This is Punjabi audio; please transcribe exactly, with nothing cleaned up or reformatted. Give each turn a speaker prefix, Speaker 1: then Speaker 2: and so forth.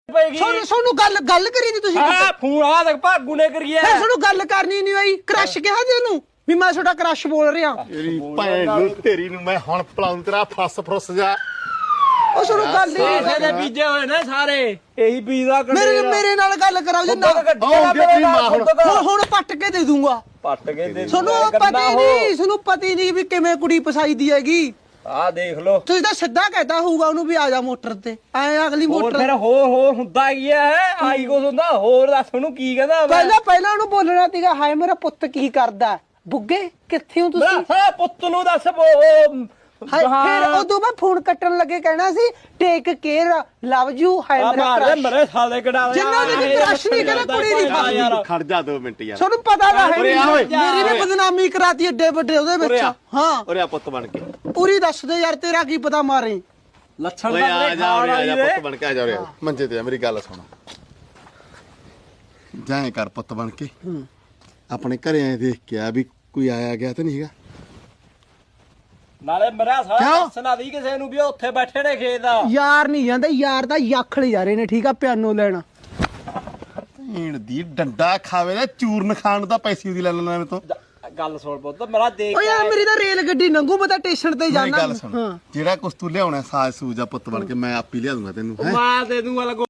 Speaker 1: ਤੁਹਾਨੂੰ ਤੁਹਾਨੂੰ ਗੱਲ ਗੱਲ ਕਰੀ ਨੀ ਤੁਸੀਂ
Speaker 2: ਹਾਂ ਫੋਨ ਆ ਤੱਕ ਭਾਗੂ ਨੇ ਕਰੀਏ
Speaker 1: ਫਿਰ ਤੁਹਾਨੂੰ ਗੱਲ ਕਰਨੀ ਨਹੀਂ ਆਈ ਕ੍ਰਸ਼ ਕਿਹਾ ਜੀ ਉਹਨੂੰ ਵੀ ਮੈਂ ਤੁਹਾਡਾ ਕ੍ਰਸ਼ ਬੋਲ ਰਿਹਾ
Speaker 3: ਤੇਰੀ ਭੈਣ ਨੂੰ ਤੇਰੀ ਨੂੰ ਮੈਂ ਹੁਣ ਪਲਾਉਂ ਤੇਰਾ ਫਸ ਫਰਸ ਜਾ
Speaker 1: ਉਹ ਤੁਹਾਨੂੰ ਗੱਲ
Speaker 2: ਸਾਰੇ
Speaker 1: ਨਹੀਂ
Speaker 2: ਦੇ ਬੀਜੇ ਹੋਏ ਨੇ ਸਾਰੇ ਇਹੀ ਬੀਜ ਦਾ
Speaker 1: ਮੇਰੇ ਮੇਰੇ ਨਾਲ ਗੱਲ ਕਰਾਓ ਜੀ ਨਾ ਹੁਣ ਹੁਣ ਪੱਟ ਕੇ ਦੇ ਦੂੰਗਾ
Speaker 2: ਪੱਟ ਕੇ ਦੇ
Speaker 1: ਤੁਹਾਨੂੰ ਪਤਾ ਹੀ ਨਹੀਂ ਤੁਹਾਨੂੰ ਪਤਾ ਹੀ ਨਹੀਂ ਵੀ ਕਿਵੇਂ ਕੁੜੀ ਫਸਾਈਦੀ ਹੈਗੀ
Speaker 2: ਆ ਦੇਖ ਲੋ
Speaker 1: ਤੁਸੀਂ ਤਾਂ ਸਿੱਧਾ ਕਹਿਤਾ ਹੋਊਗਾ ਉਹਨੂੰ ਵੀ ਆ ਜਾ ਮੋਟਰ ਤੇ ਐ ਅਗਲੀ
Speaker 2: ਹੋਰ
Speaker 1: ਮੋਟਰ
Speaker 2: ਫਿਰ ਹੋਰ ਹੋਰ ਹੁੰਦਾ ਕੀ ਹੈ ਆਈ ਕੁਛ ਹੁੰਦਾ ਹੋਰ ਦੱਸ ਉਹਨੂੰ ਕੀ ਕਹਿੰਦਾ ਮੈਂ
Speaker 1: ਪਹਿਲਾਂ ਪਹਿਲਾਂ ਉਹਨੂੰ ਬੋਲਣਾ ਸੀਗਾ ਹਾਏ ਮੇਰਾ ਪੁੱਤ ਕੀ ਕਰਦਾ ਬੁੱਗੇ ਕਿੱਥੇ ਹੋ ਤੁਸੀਂ
Speaker 2: ਹਾਂ ਪੁੱਤ ਨੂੰ ਦੱਸ ਬੋ
Speaker 1: ਹਾਏ ਫਿਰ ਉਦੋਂ ਮੈਂ ਫੋਨ ਕੱਟਣ ਲੱਗੇ ਕਹਿਣਾ ਸੀ ਟੇਕ ਕੇਅਰ ਲਵ ਯੂ ਹਾਏ
Speaker 2: ਆ
Speaker 1: ਮੇਰਾ
Speaker 2: ਮਾਰ
Speaker 1: crush।
Speaker 2: ਮਰੇ ਸਾਲੇ ਕਢਾ
Speaker 1: ਜਿੰਨਾ ਦੇ ਵੀ crush ਨਹੀਂ ਕਹਿੰਦਾ ਕੁੜੀ ਦੀ ਫਸ
Speaker 2: ਯਾਰ
Speaker 3: ਖੜ ਜਾ ਦੋ ਮਿੰਟ ਯਾਰ
Speaker 1: ਤੁਹਾਨੂੰ ਪਤਾ ਤਾਂ ਹੈ
Speaker 3: ਉਰੇ ਆ ਓਏ।
Speaker 1: ਮੇਰੀ ਵੀ ਬਦਨਾਮੀ ਕਰਾਤੀ ਏਡੇ ਵੱਡੇ ਉਹਦੇ ਵਿੱਚ
Speaker 3: ਉਰੇ ਆ।
Speaker 1: ਹਾਂ
Speaker 3: ਉਰੇ ਆ ਪੁੱਤ ਬਣ ਕੇ
Speaker 1: ਪੂਰੀ ਦੱਸ ਦੇ ਯਾਰ ਤੇਰਾ ਕੀ ਪਤਾ ਮਾਰੇ
Speaker 2: ਲੱਛਣ
Speaker 3: ਓਏ
Speaker 2: ਦਾ
Speaker 3: ਆ
Speaker 2: ਮੇਰੇ
Speaker 3: ਜਾ ਉਰੇ ਆ ਜਾ
Speaker 2: ਖਾਣ
Speaker 3: ਪੁੱਤ ਬਣ ਕੇ ਆ ਜਾ ਉਰੇ ਆ। ਮੰਜੇ ਤੇ ਆ ਮੇਰੀ ਗੱਲ ਸੁਣ ਜਾਏ ਕਰ ਪੁੱਤ ਬਣ ਕੇ ਆਪਣੇ ਘਰੇ ਆਏ ਦੇਖ ਕੇ ਆ ਵੀ ਕੋਈ ਆਇਆ ਗਿਆ ਤਾਂ ਨਹੀਂ ਹੈਗਾ
Speaker 2: ਨਾਲੇ ਮਰਿਆ ਸਾਲਾ ਦੱਸਣਾ ਦੀ ਕਿਸੇ ਨੂੰ ਵੀ ਉਹ ਉੱਥੇ ਬੈਠੇ ਨੇ ਖੇਤ ਦਾ
Speaker 1: ਯਾਰ ਨਹੀਂ ਜਾਂਦੇ ਯਾਰ ਦਾ ਯੱਖ ਲੈ ਜਾ ਰਹੇ ਨੇ ਠੀਕ ਆ ਪਿਆਨੋ ਲੈਣਾ
Speaker 3: ਭੀੜ ਦੀ ਡੰਡਾ ਖਾਵੇ ਦਾ ਚੂਰਨ ਖਾਣ ਦਾ ਪੈਸੇ ਉਹਦੀ ਲੈ ਲੈਣਾ ਮੇਰੇ ਤੋਂ
Speaker 2: ਗੱਲ ਸੁਣ ਪੁੱਤ ਮੇਰਾ ਦੇਖ
Speaker 1: ਓ ਯਾਰ ਮੇਰੀ ਤਾਂ ਰੇਲ ਗੱਡੀ ਲੰਘੂ ਮੈਂ ਤਾਂ ਸਟੇਸ਼ਨ ਤੇ
Speaker 3: ਮੇਰੀ
Speaker 1: ਜਾਣਾ
Speaker 3: ਗੱਲ ਸੁਣ ਜਿਹੜਾ ਕੁਛ ਤੂੰ ਲਿਆਉਣਾ ਸਾਜ ਸੂਜ ਆ ਪੁੱਤ ਬਣ ਕੇ ਮੈਂ ਆਪ ਹੀ ਲਿਆ ਦੂੰਗਾ ਤੈਨੂੰ ਹੈਂ।
Speaker 2: ਮਾਰ ਦੇ ਦੂੰਗਾ